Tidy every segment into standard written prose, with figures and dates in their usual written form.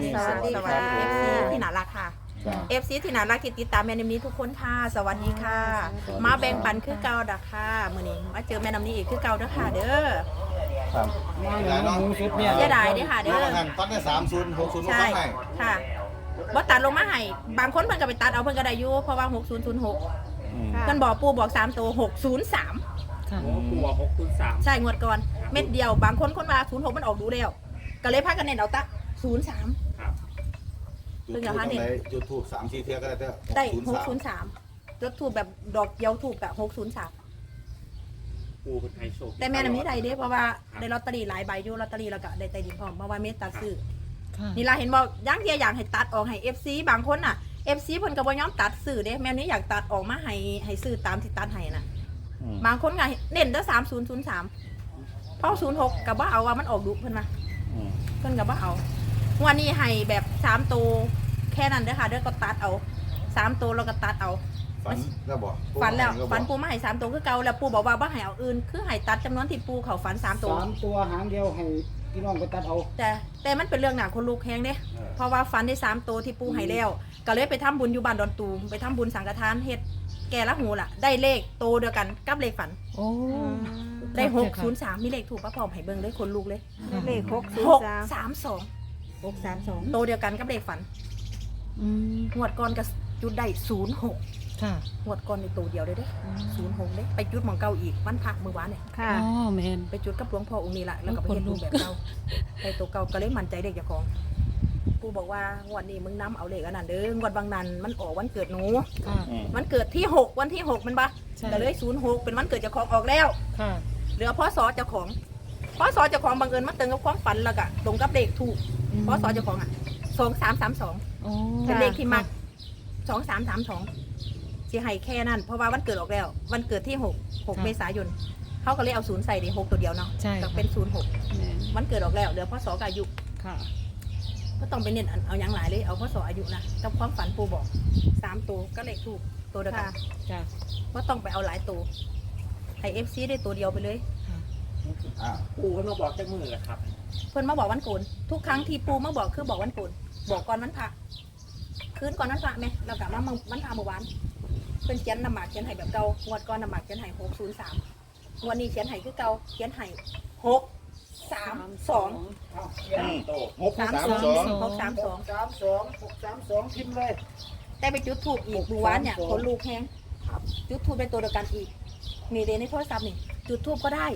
สวัสดีค่ะ FC ที่น่ารักค่ะ FC ที่น่ารักที่ติดตามแม่น้ำนี้ทุกคนค่ะสวัสดีค่ะ มาแบ่งปันคือเก่าดักค่ะมื้อนี้มาเจอแม่น้ำนี้อีกคือเก่าเด้อค่ะเด้อครับเสียดายเด้อค่ะเด้อตัดได้30 60 ใช่ให้ค่ะบ่ตัดลงมาให้บางคนเพิ่นก็ไปตัดเอาเพิ่นก็ได้อยู่เพราะว่า6006เพิ่นบอกปู่บอก3ตัว603 ค่ะปูบอก603 ใช่งวดก่อนเม็ดเดียวบางคนว่า06มันออกดูแล้วก็เลยพากันเน้นเอาตะ03 ครับจุดทูบตรงไหนจุดทูบ3 4เที่ยก็ได้เด้อได้ 603 603รถถูกแบบดอกเดียวถูกอะ603 ปูเป็นไฮโชว์แต่แม่น้ำนี้ได้เด้เพราะว่าได้ลอตเตอรี่หลายใบอยู่ลอตเตอรี่แล้วก็ได้ใต้ดินพร้อมเพราะว่าเมตตาซื้อค่ะนี่ล่ะเห็นบอกย่างเดียอยากให้ตัดออกให้ FC บางคนน่ะ FC เพิ่นก็บ่ยอมตัดซื้อเด้แม่นี้อยากตัดออกมาให้ซื้อตามที่ตัดให้น่ะบางคนก็เน้นแต่3003เพราะ06ก็บ่เอาว่ามันออกดุเพิ่นว่าเพิ่นก็บ่เอาวันนี้ให้แบบ3ตัวแค่นั้นเด้อค่ะเด้อก็ตัดเอา3ตัวแล้วก็ตัดเอาฝันแล้วบ่ฝันแล้วฝันปูมาให้3ตัวคือเก่าแล้วปูบอกว่าบ่ให้เอาอื่นคือให้ตัดจำนวนที่ปูเขาฝัน3ตัว 3 ตัวหางเดียวให้พี่น้องไปตัดเอาแต่มันเป็นเรื่องหนาคนลูกแฮงเด้เพราะว่าฝันได้3ตัวที่ปูให้แล้วก็เลยไปทำบุญอยู่บ้านดอนตูมไปทำบุญสังฆทานเฮ็ดแก่ละหูล่ะได้เลขโตเดียวกันกับเลขฝันโอ้ได้603มีเลขถูกปะพร้อมให้เบิ่งเลยคนลูกเลยเลข 632 632 โตเดียวกันกับเลขฝันอืมงวดก่อนก็จุดได้06 ค่ะงวดก่อนในโตเดียวเลยเด้06เด้ไปจุดหม่องเก่าอีกวันพระมื้อวานเนี่ยค่ะอ๋อแมนไปจุดกับหลวงพ่อองค์นี้ละแล้วก็ไปเห็นรูปแบบเก่าไปตัวเก่าก็เลยมั่นใจเด็กเจ้าของกูบอกว่างวดนี้มึงน้ำเอาเลขอันนั้นเด้องวดบางนั้นมันออกวันเกิดหนูค่ะมันเกิดที่6วันที่6มันปะใช่แต่เลย06เป็นวันเกิดเจ้าของออกแล้วค่ะเหลือพ่อสอเจ้าของพ่อสอเจ้าของบังเอิญมาเติมกับความฝันแล้วก็ตรงกับเลขถูกพ่อสอเจ้าของอ่ะ2332 โอ้เป็นเลขที่มัก2332สิให้แค่นั้นเพราะว่าวันเกิดออกแล้ว วันเกิดที่6เมษายนเขาก็เลยเอา0ใส่ดิ6ตัวเดียวเนาะใช่ก็ค่ะเป็น06 แมนวันเกิดออกแล้วเหลือพ่อสอกับอายุค่ะก็ต้องไปเน้นเอาอย่างหลายเลยเอาพ่อสออายุนะกับความฝันปูบอก3ตัวก็เลขถูกตัวเดียวกันจ้ะว่าต้องไปเอาหลายตัวให้ FC ได้ตัวเดียวไปเลยอ่าปูก็มาบอกจากมือแหละครับเพิ่นมาบอกวันโกนทุกครั้งที่ปูมาบอกคือบอกวันโกนบอกก่อนวันพระคืนก่อนวันพระไหมเรากลับมาวันพระเมื่อวานเพิ่นเขียนนำหมากเขียนให้แบบเก่างวดก่อนนำหมากเขียนให้603วันนี้เขียนให้คือเก่าเขียนให้632 โต 632พิมพ์เลยแต่ไปจุดถูกอีกเมื่อวานเนี่ยคนลูกแห้งจุดทูบเป็นตัวเดียวกันอีกนี่เดนในโทรศัพท์นี่จุดทูบก็ได้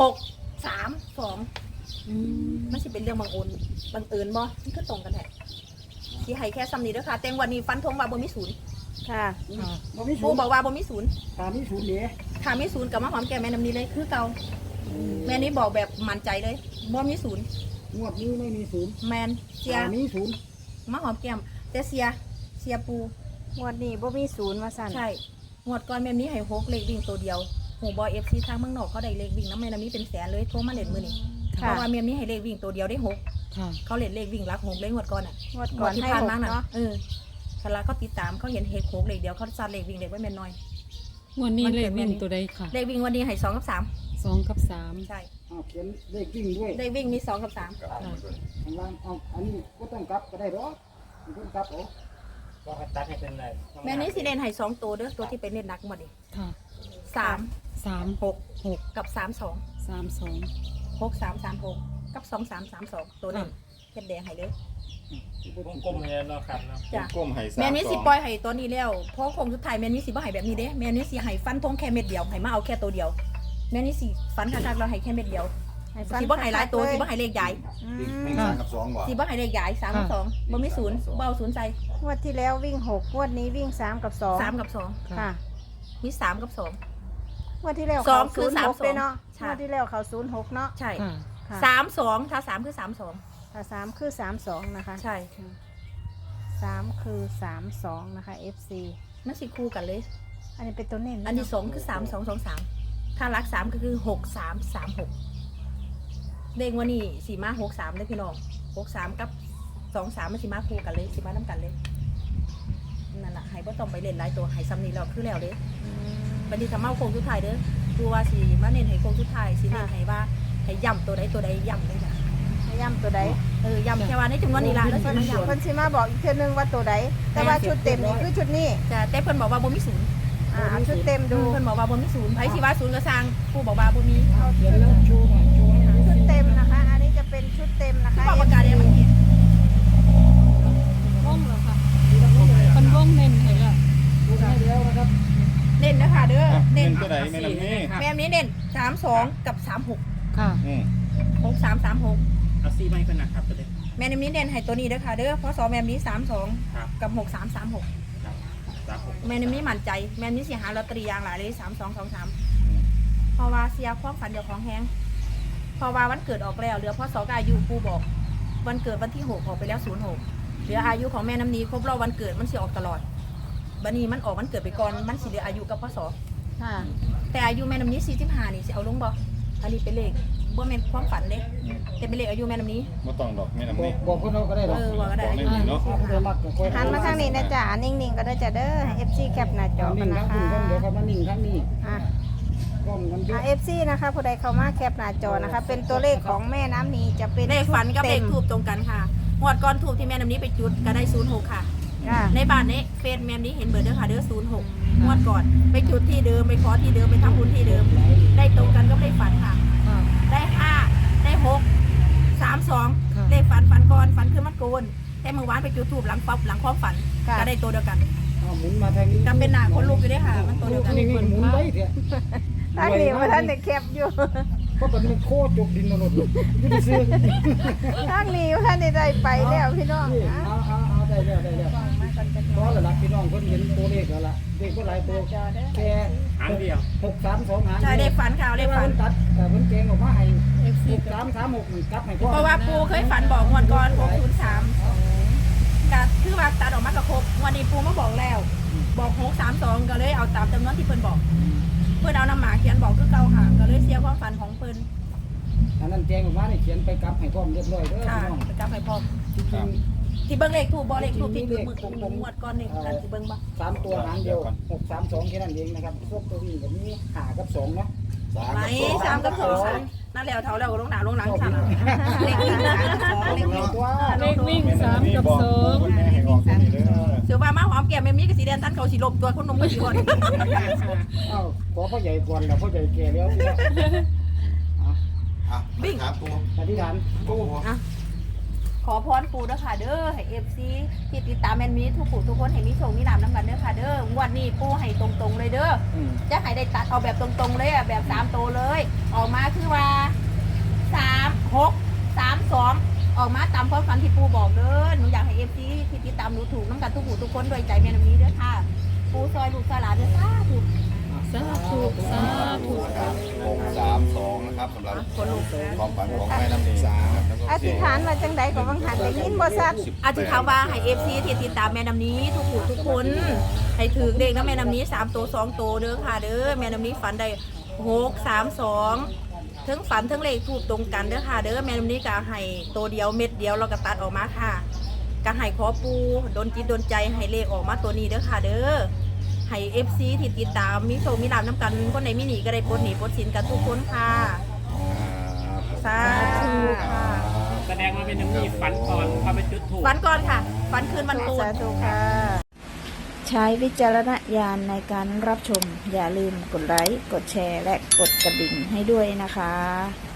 632 อืมมันสิเป็นเรื่องบังเอิญบ่มันก็ตรงกันแท้สิให้แค่ซ้ำนี้เด้อค่ะแต่งวันนี้ฟันธงว่าบ่มีศูนย์ค่ะค่ะบ่มีศูปูนย์บอกว่าบ่มีศูนย์ตามมีศูนย์เด้ถ้ามีศูนย์กับมาหอมแก้มแม่น้ำนี้เลยคือเก่าแม่นี้บอกแบบมั่นใจเลยบ่มีศูนย์งวดนี้ไม่มีศูนย์แมนเสียตามมีศูนย์มาหอมแก้มแต่เสียปูงวดนี้บ่มีศูนย์ว่าสั่นใช่งวดก่อนแม่นี้ให้6เลขวิ่งตัวเดียวหูบอย FC ทางเมืองนอกเขาได้เลขวิ่งน้ำแม่น้ำนี้เป็นแสนเลยโทรมาเล่นมื้อนี้เพค่ะราะว่าแม่นี้ให้เลขวิ่งตัวเดียวได้6 ค่ะเขาเล่นเลขวิ่งรัก6เลยงวดก่อนอ่ะงวดก่อนที่ให้ผ่านหกมาน่ะเนาะคาราเขาติดตามเขาเห็นเฮก6เลขเดียวเขาซัดเลขวิ่งเลขไว้แม่นน้อยวันนี้มันเลเกิขดแม่วิ่งนี้ตัวใดค่ะเลขวิ่งวันนี้ให้2 กับ 2 กับ 3 3ใช่เขียนเลขวิ่งด้วยเลขวิ่งมี2 กับ 3 ข้างล่างเอาอันนี้ก็ต้องกลับก็ได้หรอไม่ต้องกลับเอาบอกให้ตัดให้เป็นไรแม่นี้สิเล่นให้2ตัวเด้อตัวที่เป็นเล่นนักหมดดิค่ะ 3 3 6 6 กับ32 3 2 6 3 3 6กับ2 3 3 2ตัวนี้เฮ็ดแดงให้เลยวงกลมเลยเนาะครับเนาะจ้ะก้มให้3 แม่นี้สิปล่อยให้ตัวนี้แล้วเพราะคงสุดท้ายแม่นี้สิบ่ให้แบบนี้เด้แม่นี้สิให้ฟันธงแค่เม็ดเดียวให้มาเอาแค่ตัวเดียวแม่นี้สิฟันคักๆเราให้แค่เม็ดเดียวให้ฟันสิบ่ให้หลายตัวสิบ่ให้เลขใหญ่อืวิ่งม 3กับ2บ่สิบ่ให้เลขใหญ่3กับ2บ่มีศูนย์บ่เอาศูนย์ใส่งวดที่แล้ววิ่ง6งวดนี้วิ่ง3กับ2 3กับ2 ค่ะมี3กับ2 งวดที่แล้วสอเขางคือ 06เลยเนาะใช่งวดที่แล้วเขา06เนาะใช่ค่ะค่ะ 32ถ้า3คือ32 ถ้า3คือ32นะคะใช่ 3คือ32นะคะ FC มันสิคู่กันเลยอันนี้เป็นตัวเน้นอันที่2คือ3223ถ้ารัก3ก็คือ6336เลขวันนี้สิมา63เด้อพี่น้อง63กับ23มันสิมาคู่กันเลยสิมานํกันเลยนั่นน่ะให้บ่ต้องไปเล่นหลายตัวให้ซ้ำนี้แล้วคือแล้วเด้อืมบัดนี้ถ้ามาโค้งสุดท้ายเด้อผู้ว่าสิมาเน้นให้โค้งสุดท้ายสิเน้นให้ว่าให้ย่ำตัวใดย่ำเลยจ้ะโอ้ย้ำตัวใดย้ำแค่ว่าในจำนวนนี้ละแล้วสิมาย้เพิ่นสิมาบอกอีกเทื่อนึงว่าตัวใดแต่ว่าชุดเต็มนี่คือชุดนี้ำจะแต่เพิ่นบอกว่าบ่มีศูนย์เอาชุดเต็มดูเพิ่นบอกว่าบ่มีศูนย์ไผสิว่าศูนย์ก็สร้างผู้บอกว่าบ่มีเอาเขียนแล้วชูหน่อยชูให้หาชุดเต็มนะคะ อันนี้จะเป็นชุดเต็มนะคะบอกประกาศเนี่ยมันเขียนวงเหรอค่ะคนวงเน้นให้ละดูให้แล้วนะครับเน้นนะคะเด้อเน้เน้นนตัวไหนแม่น้ำนี้แม่นี้เน้น32กับ36 ค่ะ 6336 เอาซีไม้กันนะครับตัวเด็กแม่นี้เน้นให้ตัวนี้เด้อค่ะเด้อเพราะ2แม่นี้ครับ 32กับ6336 ครับ36 แม่นี้มั่นใจแม่นี้สิหาลอตเตอรี่อย่างหลายเลย3223เพราะว่าเสียความฝันเดี๋ยวของแฮงเพราะว่าวันเกิดออกแล้วเหลือพ่อสอกอายุปูบอกวันเกิดวันที่6ออกไปแล้ว06เหลืออายุของแม่น้ำนี้ครบรอบวันเกิดมันสิออกตลอดบัดนี้มันออกวันเกิดไปก่อนมันสิเหลืออายุกับพ่อสอค่ะแต่อายุแม่น้ำนี้45นี่สิเอาลงบ่อันนี้เป็นเลขบ่แม่นความฝันเด้แต่เป็นเลขอายุแม่น้ำนี้ไม่ต้องดอกแม่น้ำบอนี้กบอกเพิ่นเอาก็ได้หรอกว่าก็ได้บอกได้ดีเนาะเอาผู้ใดมักก็ค่อยหันมาทางนี้นะจ๊ะนิ่งๆก็ได้จ้ะเด้อให้ FC แคปหน้าจอนิ่กันงนะทั้งคะคุณกันเดี๋ยวครับมานิ่งทั้งนี้อ่ะก้มกันเยอะ FC นะคะผู้ใดเข้ามาแคปหน้าจอนะคะ เป็นตัวเลขของแม่น้ำนีจะเป็นเลขฝันกับเลต็ขมทูบตรงกันค่ะงวดก่อนทูบที่แม่น้ำนี้ไปจุดก็ได้06ค่ะค่ะในบ้านนี้เฟซแม่นี้เห็นเบอร์เด้อค่ะเด้อ06งวดก่อนไปจุดที่เดิมไปขอที่เดิมไปทำบุญที่เดิม ได้ตรงกันก็เลขฝันค่ะค่ะได้5ได้6 32 ค่ะเลขฝันก่อนฝันคือมันโกนแต่เมื่อวานไปจุดทูบหลังปั๊บหลังความฝันค่ะก็ได้ตัวเดียวกันเอาหมุนมาทางนี้ก็เป็นหน้าคนลุกอยู่เด้อค่ะ มันตัวเดียวกันนี่หมุนไว้เถอะทางนี้ว่าท่านได้แคปอยู่เพราะมันโคตรจกดินนรกอยู่ที่ซื้อทางนี้ว่าท่านได้ไปแล้วพี่น้องนี่อ่ะเอาได้แล้วเพราะหลักพี่น้องเพิ่นเห็นตัวเลขแล้วล่ะเลขก็หลายตัวแค่หางเดียว 632หางใช่เลขฝันค่ะเลขฝันตัดแต่เพิ่นเกงออกมาให้6336มันกลับให้พ่อเพราะว่าปูเคยฝันบอกงวดก่อน603ก็คือว่าตัดออกมากระครบวันนี้ปูมาบอกแล้ว บอก632ก็เลยเอาตามจำนวนที่เพิ่นบอก เพิ่นเอาน้ำหมาเขียนบอกคือเก่าค่ะก็เลยเสียความฝันของเพิ่นอันนั้นแจ้งออกมานี่เขียนไปกลับให้พร้อมเรียบร้อยเด้อค่ะพี่น้องไปกลับให้พร้อมจริงที่เบิ่งเลขถูกบ่เลขถูกที่มืองวดก่อนนี่อันที่เบิ่งบ่ๆ3ตัวหางเดียว632แค่นั้นเองนะครับพวกตัวนี้แบบนี้5กับ2เนาะไหน3กับ2นั่นแล้วเท่าแล้วก็ลงหน้าลงหลังสั่นเลขวิ่ง3กับ2เลขวิ่งตัวเลขวิ่ง3 กับ 2 ให้ออกตัวนี้เด้อเสือว่ามาหอมแก้มแม่มีก็สีแดงตันเขาสิลบตัวคนนมก็สิก่อนเอ้าขอพ่อใหญ่ก่อนแล้วพ่อใหญ่แก่แล้วอ่ะครับปูอธิษฐานปูขอพรปู่เด้อค่ะเด้อให้ FC ที่ติดตามแม่นมีทุกผู้ทุกคนให้มีโชคมีลาภนำกันเด้อค่ะเด้องวดนี้ปู่ให้ตรงๆเลยเด้อ จะให้ได้ตัดเอาแบบตรงๆเลยอ่ะแบบ3ตัวเลย ออกมาคือว่า3 6 3 2ออกมาตามความฝันที่ปู่บอกเด้อหนูอยากให้ FC ที่ติดตามหนูถูกน้ำกันทุกผู้ทุกคนโดวยใจแม่นำนี้เด้อค่ะปู่ซอยลูกซอยหลานเด้อสาธุสาธุสาธุ 632นะครับสำหรับคนลูกความฝันของแม่น้ำนี้นะครับแล้วก็อธิษฐานมาจังใดก็บังหันได้ยินบ่ซัดอธิษฐานว่าให้ FC ที่ติดตามแม่น้ำนี้ทุกผู้ทุกคนให้ถือเลขนะแม่น้ำนี้3ตัว2ตัวเด้อค่ะเด้อแม่น้ำนี้ฝันได้6 3 2ทั้งฝันทั้งเลขถูกตรงกันเด้อค่ะเด้อแม่น้ำนี้ก็ให้ตัวเดียวเม็ดเดียวเราก็ตัดออกมาค่ะก็ให้ขอปูโดนจิตโดนใจให้เลขออกมาตัวนี้เด้อค่ะเด้อให้ FC ที่ติดตามมีโชคมีลาภน้ำกันคนไหนมีหนีก็ได้ปลดหนีปลดสินกันทุกคนค่ะสาธุค่ะแสดงว่าเป็นน้ำมีฝันก่อนพอไปจุดถูกฝันก่อนค่ะฝันคืนวันโกนสาธุค่ะ ใช้วิจารณญาณในการรับชม อย่าลืมกดไลค์ กดแชร์ และกดกระดิ่งให้ด้วยนะคะ